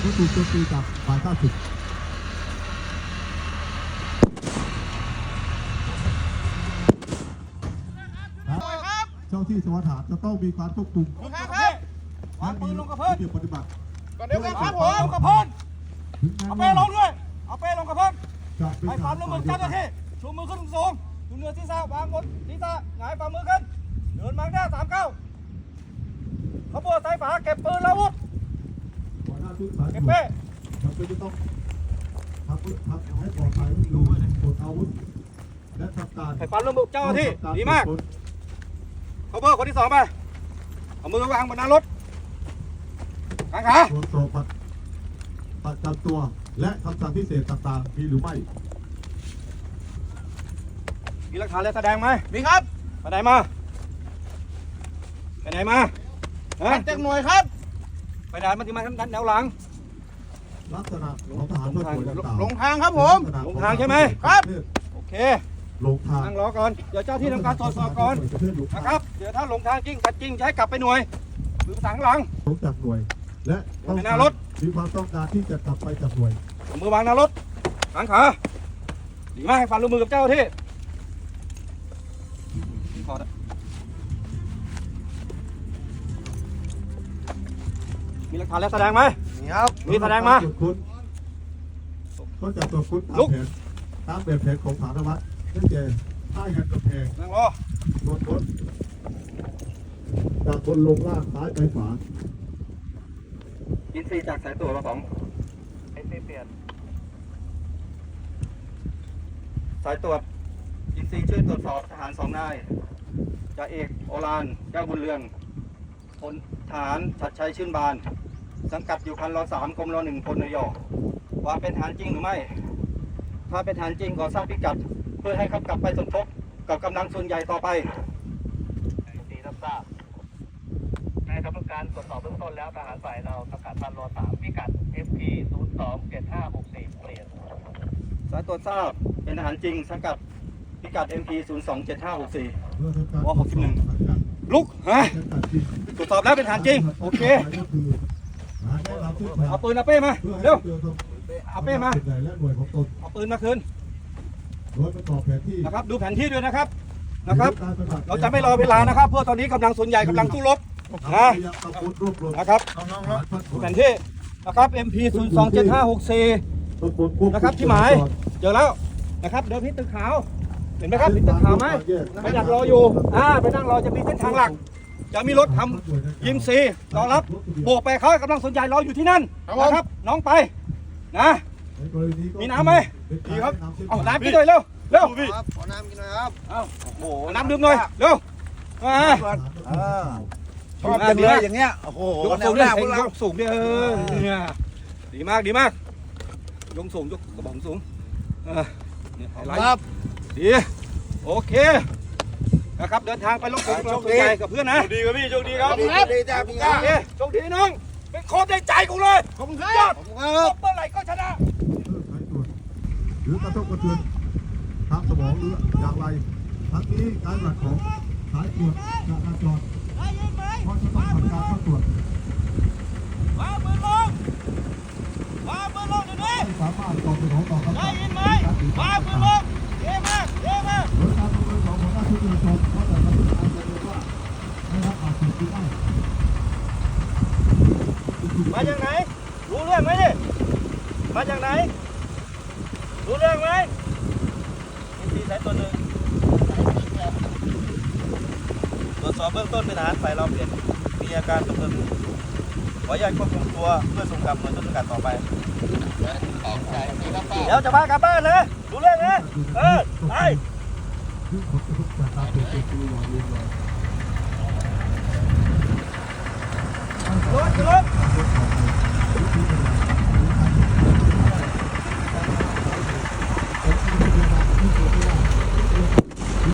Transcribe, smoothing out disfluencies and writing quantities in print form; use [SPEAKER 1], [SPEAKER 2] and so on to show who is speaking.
[SPEAKER 1] ก็ถูกโจมตีจากฝ่ายข้าศึกเจ้าที่สวัสดิ์ฐานจะต้องมีการควบคุม
[SPEAKER 2] วางปืนลงกระเพื่อน
[SPEAKER 1] ปฏิบัติ
[SPEAKER 2] ก่อนเดียวกันครับผมลงกระเพื่อนเอาเป้ลงด้วยเอาเป้ลงกระเพื่อนให้ความร่วมมือเจ้าหน้าที่ชูมือขึ้นสูงดูเหนือศีรษะวางบนศีรษะหงายฝ่ามือขึ้นเดินมาหน้า39ขบวนสายฝาเก็บปืนแล้วอาวุธเก็บเป้
[SPEAKER 1] จำเป็นจะต้องทำให้ปลอดภัยดูปลดอาวุธและทำการ
[SPEAKER 2] ให้ความร่วมมือเจ้าหน้าที่ดีมากขบวนคนที่2ไปเอามือวางบนหน้ารถกางขา
[SPEAKER 1] ตรวจสอบประจำตัวและคำสั่งพิเศษต่างๆมีหรือไม่
[SPEAKER 2] มีหลักฐานอะไรแสดงไหมมีครับไปไหนมาไปไหนมาแจ้งหน่วยครับไปไหนมาที่มาแนวหลัง
[SPEAKER 1] ลักษณะของทหารผู้ป่วยต่างๆ
[SPEAKER 2] ลงทางครับผมลงทางใช่ไหมครับโอเค
[SPEAKER 1] ลงทาง
[SPEAKER 2] นั่งรอก่อนเดี๋ยวเจ้าที่ทำการตรวจสอบก่อนนะครับเดี๋ยวถ้าลงทางจริงขัดจริงจะให้กลับไปหน่วยหรือภาษาหลัง
[SPEAKER 1] ลงจากหน่วยและ
[SPEAKER 2] ต้องหน้ารถ
[SPEAKER 1] มีความต้องการที่จะกลับไปจากหน่วย
[SPEAKER 2] มือวางหน้ารถหางขาดีมากให้ฟันร่วมมือกับเจ้าที่มีหลักฐานแล้วแสดงไหมมีครับมีแสดงมา
[SPEAKER 1] ก็จะตรวจค้นตามแบบแผนของสารวัตรนั่นเองท่ายันกระแพง
[SPEAKER 2] นั่งรอ
[SPEAKER 1] ตรวจค้นจากบนลงล่างซ้ายไปขวา
[SPEAKER 2] อินซีจากสายตรวจมา2อินซีเปลี่ยนสายตรวจอินซีช่วยตรวจสอบทหาร2 นายจ่าเอกโอฬารแก้วบุญเรืองพลทหารชัดชัยชื่นบานสังกัดอยู่พันร3กรมร1พลนยว่าเป็นทหารจริงหรือไม่ถ้าเป็นทหารจริงขอทราบพิกัดเพื่อให้เขากลับไปสมทบกับกำลังส่วนใหญ่ต่อไป
[SPEAKER 3] ตีรับทราบในกระบวนการตรวจสอบเบื้องต้นแล้วทหารฝ่ายเราประกาศพันร3พิกัด FP 027564เปลี่ยน
[SPEAKER 2] สายตรวจทราบเป็นทหารจริงสังกัดพิกัด MP 027564ว61ลุกฮะตรวจสอบแล้วเป็นทหารจริงโอเคเอาปืนเอาเป้มาเร็วเอาเป้มาเอาปืนมาคืนนะครับดูแผนที่ด้วยนะครับเราจะไม่รอเวลานะครับเพราะตอนนี้กำลังส่วนใหญ่กำลังสู้รบนะครับดูแผนที่นะครับ MP 027564นะครับที่หมายเจอแล้วนะครับเดินที่ตึกขาวเห็นไหมครับมีตึกขาวไหมไปดักรออยู่ไปนั่งรอจะมีเส้นทางหลักจะมีรถทำยิมซีรอรับโบกไปเขากำลังสนใจรออยู่ที่นั่นนะครับน้องไปนะมีน้ำไหมดีครับเอาน้ำกินหน่อยเร็ว
[SPEAKER 3] พี่ขอน้ำกินหน่อยครับ
[SPEAKER 2] เอาโอ้โหน้ำดื่มหน่อยเร็ว
[SPEAKER 3] ชอบจังเลยอย่างเงี้ยโอ้โห
[SPEAKER 2] แนวหน้าพวกเราสูงเนี่ยดีมากยกสูงยกกระบอกสูง
[SPEAKER 3] ครับ
[SPEAKER 2] ดีโอเคนะครับเดินทางไปลงกลุ่มโชคดีกับเพื่อนนะ
[SPEAKER 3] ดีครับพี่โชคดีครับ
[SPEAKER 2] ดีจ้าพี่ก้าโชคดีน้องเป็นโค้ชในใจกูเลยขอบคุณครับยอดเมื่อไหร่ก็ชนะ
[SPEAKER 1] หรือกระทบกระเทือนทางสมองหรืออย่างไรทั้งนี้การหลักของสายตรวจจราจรเพราะจะต้องทำการเข้าตรวจ
[SPEAKER 2] วางมือลงเดี๋ยวนี้
[SPEAKER 1] สามารถตอบสนองต่อคำสั่ง
[SPEAKER 2] ได้ยินไหมวางมือลงเยี่ยมมาก
[SPEAKER 1] โดยการดำเนินของหัวหน้าชุดตรวจสอบว่าแต่ละผู้อาจจะเรียกว่าได้รับอาชีพหรือไม่
[SPEAKER 2] มาจากไหนรู้เรื่องไหมดิมาจากไหนรู้เรื่องไหมมีสายตัวหนึ่งตรวจสอบเบื้องต้นเป็นทหารฝ่ายเราเปลี่ยนมีอาการตึงขออนุญาตควบคุมตัวเพื่อส่งกลับหน่วยต้นสังกัดต่อไปเดี๋ยวจะพากลับบ้านนะรู้เรื่องนะไปรถ